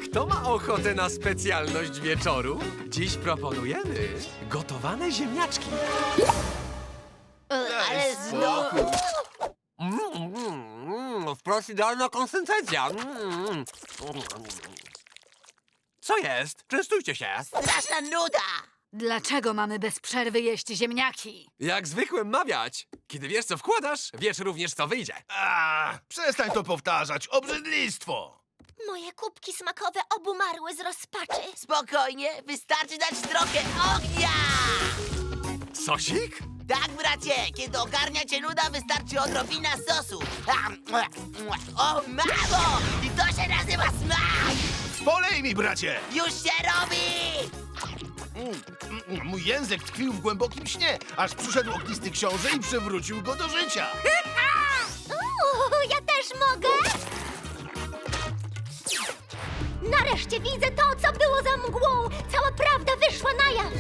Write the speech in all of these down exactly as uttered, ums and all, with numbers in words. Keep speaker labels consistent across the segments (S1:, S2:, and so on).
S1: Kto ma ochotę na specjalność wieczoru? Dziś proponujemy gotowane ziemniaczki.
S2: Ale znowu...
S1: Mm, mm, mm, wprost idealna konsystencja. Mm. Co jest? Częstujcie się.
S2: Straszna nuda!
S3: Dlaczego mamy bez przerwy jeść ziemniaki?
S1: Jak zwykłem mawiać. Kiedy wiesz, co wkładasz, wiesz również, co wyjdzie.
S4: A, przestań to powtarzać, obrzydlistwo!
S5: Moje kubki smakowe obumarły z rozpaczy.
S2: Spokojnie, wystarczy dać trochę ognia!
S1: Sosik?
S2: Tak, bracie, kiedy ogarnia cię nuda, wystarczy odrobina sosu. O, mamo! I to się nazywa smak!
S4: Polej mi, bracie!
S2: Już się robi!
S4: Mm, mm, Mój język tkwił w głębokim śnie, aż przyszedł ognisty książę i przywrócił go do życia.
S5: Uuu, ja też mogę! Nareszcie widzę to, co było za mgłą! Cała prawda wyszła na jaw!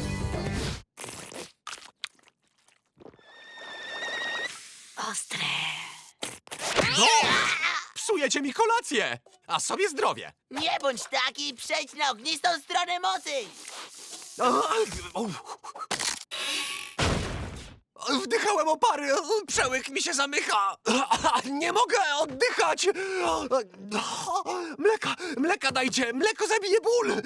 S3: Ostre.
S1: No! Psujecie mi kolację, a sobie zdrowie.
S2: Nie bądź taki i przejdź na ognistą stronę mocy!
S1: Wdychałem opary, przełyk mi się zamyka. Nie mogę oddychać. Mleka, mleka dajcie, mleko zabije ból.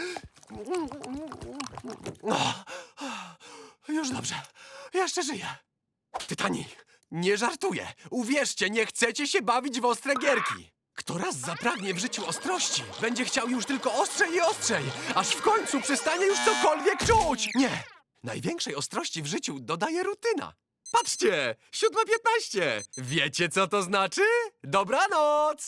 S1: Już dobrze, jeszcze żyję. Tytani, nie żartuję. Uwierzcie, nie chcecie się bawić w ostre gierki. Kto raz zapragnie w życiu ostrości, będzie chciał już tylko ostrzej i ostrzej, aż w końcu przestanie już cokolwiek czuć. Nie, największej ostrości w życiu dodaje rutyna. Patrzcie, siódma piętnaście. Wiecie, co to znaczy? Dobranoc!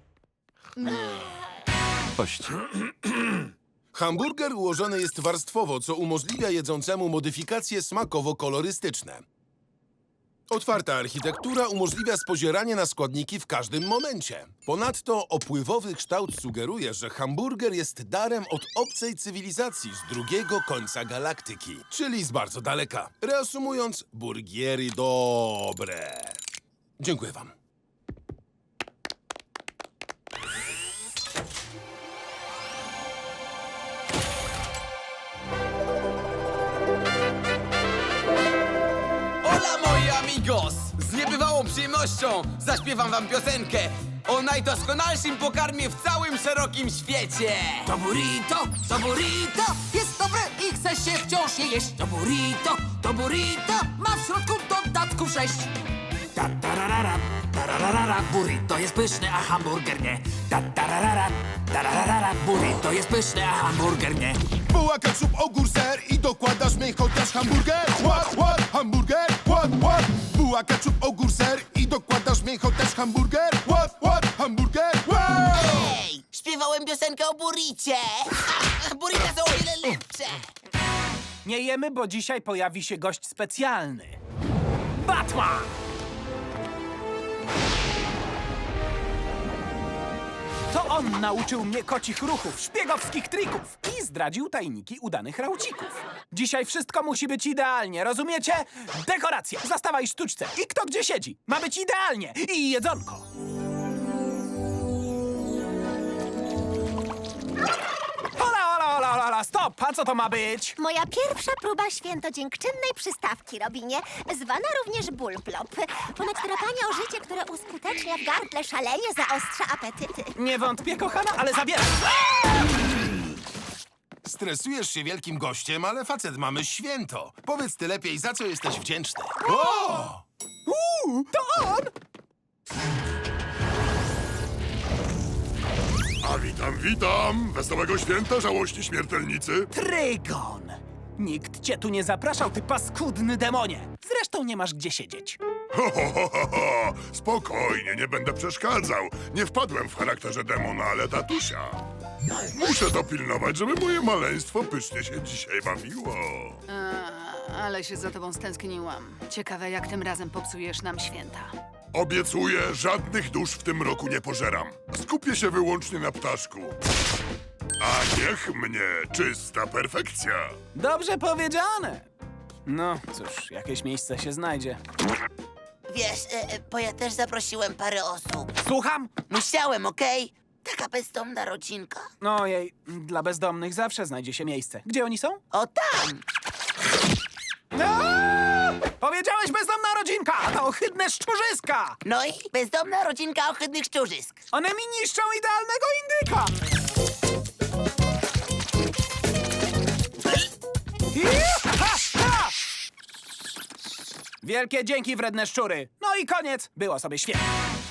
S6: Hamburger ułożony jest warstwowo, co umożliwia jedzącemu modyfikacje smakowo-kolorystyczne. Otwarta architektura umożliwia spozieranie na składniki w każdym momencie. Ponadto opływowy kształt sugeruje, że hamburger jest darem od obcej cywilizacji z drugiego końca galaktyki, czyli z bardzo daleka. Reasumując, burgiery dobre. Dziękuję wam.
S7: Hola, moi amigos! Z niebywałą przyjemnością zaśpiewam wam piosenkę o najdoskonalszym pokarmie w całym szerokim świecie!
S8: To burrito, to burrito jest dobre i chce się wciąż je jeść. To burrito, to burrito ma w środku dodatków sześć. Ta tararara, tararara, burrito jest pyszny, a hamburger nie. Ta tararara, tararara, burrito jest pyszny, a hamburger nie.
S6: Buła, ketchup, ogór, ser i dokładasz mi chociaż hamburger. What, what, hamburger, what, what. Buła, ketchup, ogór, ser i dokładasz mi chociaż hamburger. What, what, hamburger, what.
S2: Ej, śpiewałem piosenkę o burricie! Burrita są o wiele lepsze!
S9: Nie jemy, bo dzisiaj pojawi się gość specjalny. Batman! To on nauczył mnie kocich ruchów, szpiegowskich trików i zdradził tajniki udanych raucików. Dzisiaj wszystko musi być idealnie, rozumiecie? Dekoracja, zastawa i sztuczce i kto gdzie siedzi. Ma być idealnie i jedzonko. Hola, hola, hola, hola, stop! A co to ma być?
S5: Moja pierwsza próba świętodziękczynnej przystawki, Robinie, zwana również bulplop. Ponad drapanie o życie, które uskutecznia w gardle szalenie zaostrza apetyty.
S9: Nie wątpię, kochana, ale zabieram.
S6: Stresujesz się wielkim gościem, ale facet, mamy święto. Powiedz ty lepiej, za co jesteś wdzięczny. O!
S9: Uuu, to on!
S10: A witam, witam! Wesołego święta, żałości śmiertelnicy!
S9: Trygon! Nikt cię tu nie zapraszał, ty paskudny demonie! Zresztą nie masz gdzie siedzieć.
S10: Ho, ho, ho, ho, ho. Spokojnie, nie będę przeszkadzał. Nie wpadłem w charakterze demona, ale tatusia. Muszę dopilnować, żeby moje maleństwo pysznie się dzisiaj bawiło.
S3: A, ale się za tobą stęskniłam. Ciekawe, jak tym razem popsujesz nam święta.
S10: Obiecuję, żadnych dusz w tym roku nie pożeram. Skupię się wyłącznie na ptaszku. A niech mnie czysta perfekcja.
S9: Dobrze powiedziane. No cóż, jakieś miejsce się znajdzie.
S2: Wiesz, e, e, bo ja też zaprosiłem parę osób.
S9: Słucham?
S2: Musiałem, okej? taka bezdomna rodzinka?
S9: Ojej, dla bezdomnych zawsze znajdzie się miejsce. Gdzie oni są?
S2: O, tam!
S9: Aaaa! Powiedziałeś bezdomna rodzinka, a to ohydne szczurzyska!
S2: No i bezdomna rodzinka ohydnych szczurzysk.
S9: One mi niszczą idealnego indyka! Ha, ha! Wielkie dzięki, wredne szczury. No i koniec. Było sobie świetnie.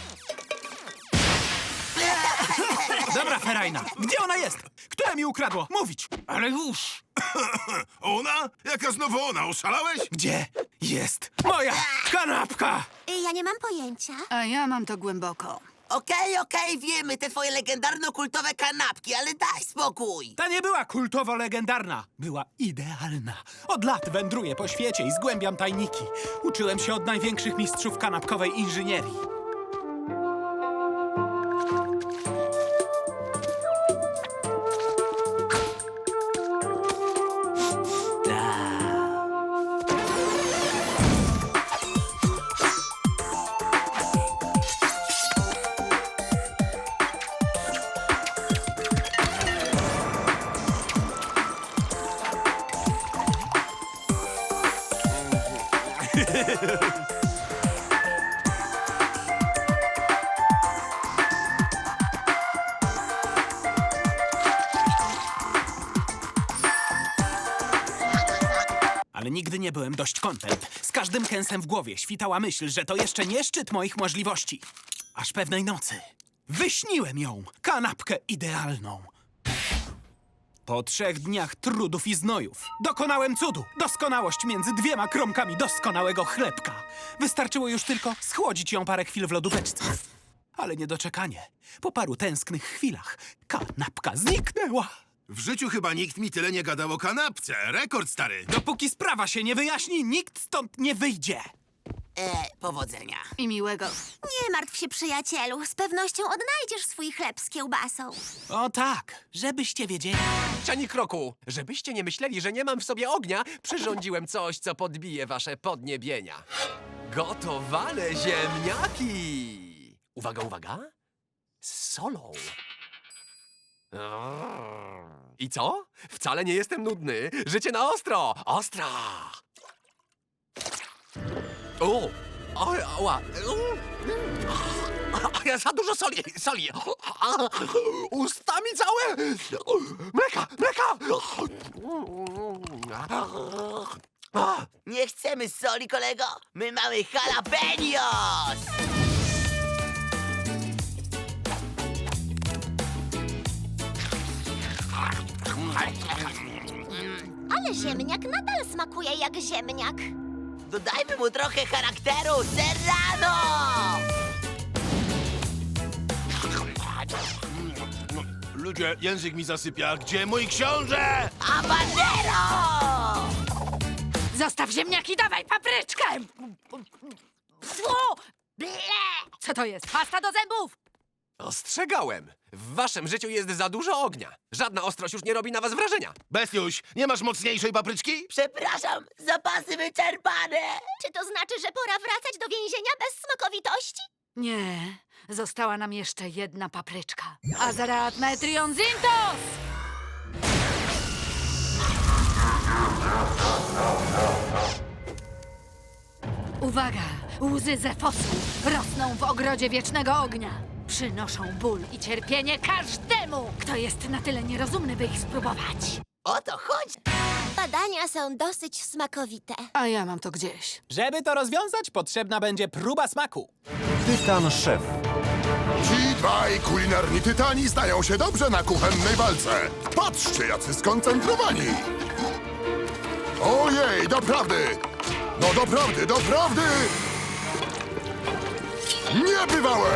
S9: Dobra, Ferajna, gdzie ona jest? Które mi ukradło? Mówić!
S4: Ale już! Ona? Jaka znowu ona? Oszalałeś?
S9: Gdzie jest moja kanapka?
S5: Ja nie mam pojęcia.
S3: A ja mam to głęboko.
S2: Okej, okej, wiemy, te twoje legendarno-kultowe kanapki, ale daj spokój!
S9: Ta nie była kultowo-legendarna. Była idealna. Od lat wędruję po świecie i zgłębiam tajniki. Uczyłem się od największych mistrzów kanapkowej inżynierii. Ale nigdy nie byłem dość kontent. Z każdym kęsem w głowie świtała myśl, że to jeszcze nie szczyt moich możliwości. Aż pewnej nocy wyśniłem ją, kanapkę idealną. Po trzech dniach trudów i znojów dokonałem cudu. Doskonałość między dwiema kromkami doskonałego chlebka. Wystarczyło już tylko schłodzić ją parę chwil w lodóweczce. Ale niedoczekanie. Po paru tęsknych chwilach kanapka zniknęła.
S4: W życiu chyba nikt mi tyle nie gadał o kanapce. Rekord, stary.
S9: Dopóki sprawa się nie wyjaśni, nikt stąd nie wyjdzie.
S2: E, powodzenia.
S3: I miłego.
S5: Nie martw się, przyjacielu. Z pewnością odnajdziesz swój chleb z kiełbasą.
S9: O tak, żebyście wiedzieli.
S1: Ani kroku. Żebyście nie myśleli, że nie mam w sobie ognia, przyrządziłem coś, co podbije wasze podniebienia. Gotowane ziemniaki! Uwaga, uwaga. Z solą. I co? Wcale nie jestem nudny. Życie na ostro! Ostra! O! O, ała! Ja za dużo soli! Soli! Ustami całe! Mleka! Mleka!
S2: Nie chcemy soli, kolego. My mamy jalapenos!
S5: Ale ziemniak nadal smakuje jak ziemniak.
S2: Dodajmy mu trochę charakteru. Serrano!
S4: Ludzie, język mi zasypia. Gdzie mój książę?
S2: Habanero!
S3: Zostaw ziemniaki, dawaj papryczkę! Fu! Ble! Co to jest? Pasta do zębów!
S1: Ostrzegałem! W waszym życiu jest za dużo ognia. Żadna ostrość już nie robi na was wrażenia.
S4: Bestiuś, nie masz mocniejszej papryczki?
S2: Przepraszam, zapasy wyczerpane.
S5: Czy to znaczy, że pora wracać do więzienia bez smakowitości?
S3: Nie, została nam jeszcze jedna papryczka. Azarat metrion zintos! Uwaga! Łzy Zefosu rosną w ogrodzie wiecznego ognia. Przynoszą ból i cierpienie każdemu, kto jest na tyle nierozumny, by ich spróbować.
S2: O to chodzi.
S5: Badania są dosyć smakowite.
S3: A ja mam to gdzieś.
S9: Żeby to rozwiązać, potrzebna będzie próba smaku.
S11: Tytan Szef.
S10: Ci dwaj kulinarni tytani znają się dobrze na kuchennej walce. Patrzcie, jacy skoncentrowani! Ojej, doprawdy! No doprawdy, doprawdy! Niebywałe!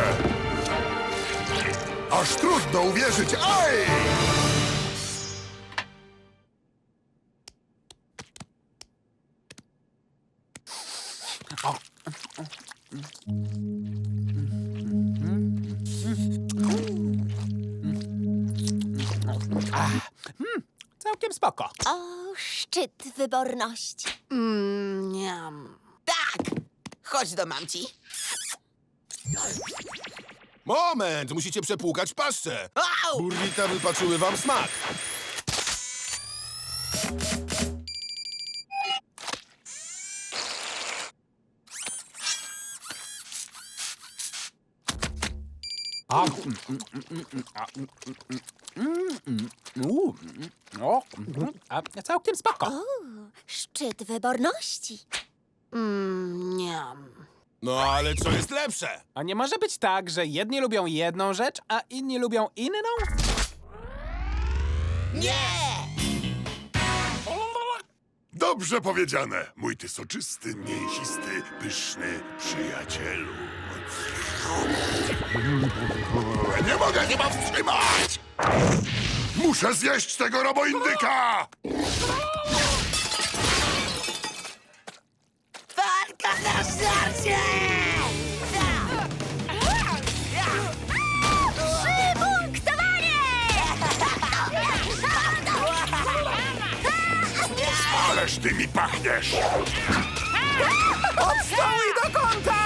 S10: Aż trudno uwierzyć, aj!
S9: Całkiem spoko.
S5: O, szczyt wyborności.
S3: Mmm, niam.
S2: Tak! Chodź do mamci.
S6: Moment, musicie przepłukać paszczę.
S2: Au!
S6: Burrita wypaczyły wam smak.
S9: A, mm, mm, mm, mm, a, mm, mm, mm, mm, u, mm, o, mm, a, całkiem spoko.
S5: Szczyt wyborności.
S3: Mmm, niam.
S6: No ale co jest lepsze?
S9: A nie może być tak, że jedni lubią jedną rzecz, a inni lubią inną?
S2: Nie!
S10: Dobrze powiedziane, mój ty soczysty, mięsisty, pyszny przyjacielu. Nie mogę się powstrzymać! Muszę zjeść tego roboindyka!
S2: Walka na żarcie!
S5: Przybunktowanie!
S10: Ależ ty mi pachniesz!
S9: Stołuj do kąta!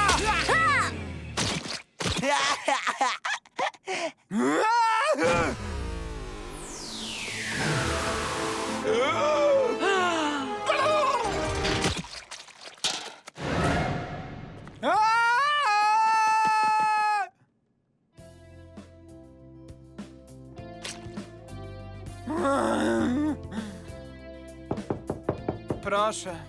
S9: Proszę.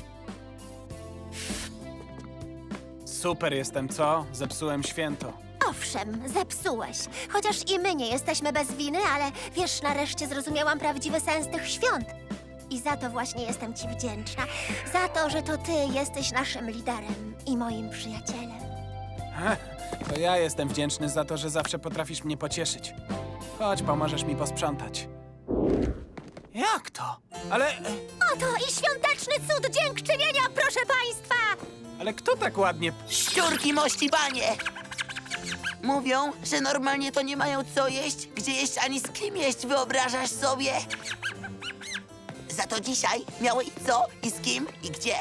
S9: Super jestem, co? Zepsułem święto.
S5: Owszem, zepsułeś. Chociaż i my nie jesteśmy bez winy, ale wiesz, nareszcie zrozumiałam prawdziwy sens tych świąt. I za to właśnie jestem ci wdzięczna. Za to, że to ty jesteś naszym liderem i moim przyjacielem.
S9: To ja jestem wdzięczny za to, że zawsze potrafisz mnie pocieszyć. Chodź, pomożesz mi posprzątać. Jak to? Ale...
S5: Oto i świąteczny cud dziękczynienia, proszę państwa!
S9: ale kto tak ładnie...
S2: Szczurki mości panie! Mówią, że normalnie to nie mają co jeść, gdzie jeść, ani z kim jeść, wyobrażasz sobie? Za to dzisiaj miały i co, i z kim, i gdzie.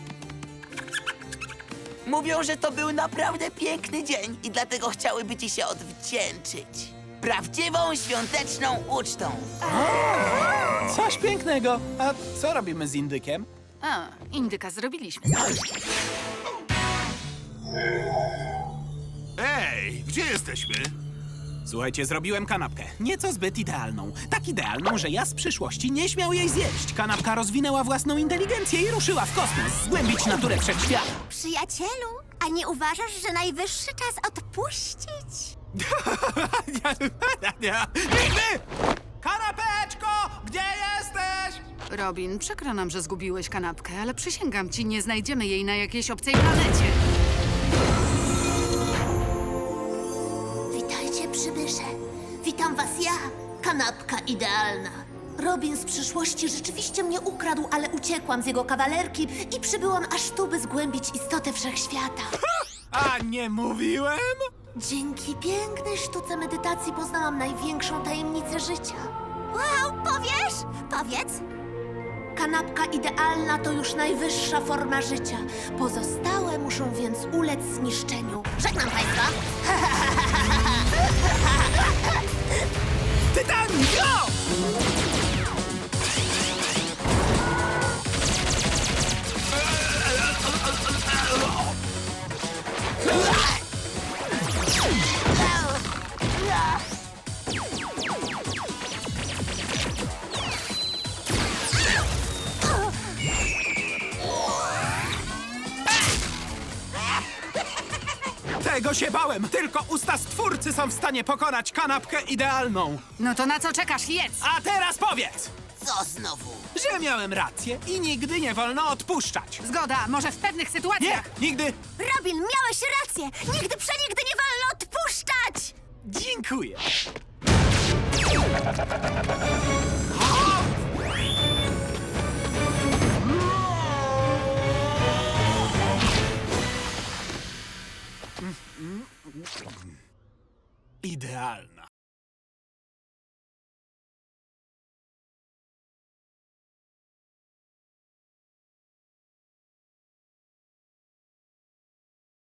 S2: Mówią, że to był naprawdę piękny dzień i dlatego chciałyby ci się odwdzięczyć. Prawdziwą świąteczną ucztą.
S9: Coś pięknego. A co robimy z indykiem?
S3: A, indyka zrobiliśmy.
S4: Ej, gdzie jesteśmy?
S9: Słuchajcie, zrobiłem kanapkę. Nieco zbyt idealną. Tak idealną, że ja z przyszłości nie śmiał jej zjeść. Kanapka rozwinęła własną inteligencję i ruszyła w kosmos, zgłębić naturę wszechświata.
S5: Przyjacielu, a nie uważasz, że najwyższy czas odpuścić?
S9: Nigdy! Kanapeczko! Gdzie jesteś?
S3: Robin, przykro nam, że zgubiłeś kanapkę, ale przysięgam ci, nie znajdziemy jej na jakiejś obcej planecie.
S5: Witajcie, przybysze. Witam was ja, kanapka idealna. Robin z przyszłości rzeczywiście mnie ukradł, ale uciekłam z jego kawalerki i przybyłam aż tu, by zgłębić istotę wszechświata.
S9: A nie mówiłem?
S5: Dzięki pięknej sztuce medytacji poznałam największą tajemnicę życia. Wow, powiesz? Powiedz. Kanapka idealna to już najwyższa forma życia. Pozostałe muszą więc ulec zniszczeniu. Żegnam państwa.
S9: Tytan, go! Tego się bałem! Tylko usta stwórcy są w stanie pokonać kanapkę idealną.
S3: No to na co czekasz? Jedz!
S9: A teraz powiedz,
S2: Co znowu?
S9: że miałem rację i nigdy nie wolno odpuszczać.
S3: Zgoda, może w pewnych
S9: Nie,
S3: sytuacjach...
S9: nigdy.
S5: Robin, miałeś rację. Nigdy przenigdy nie wolno odpuszczać.
S9: Dziękuję. Idealna.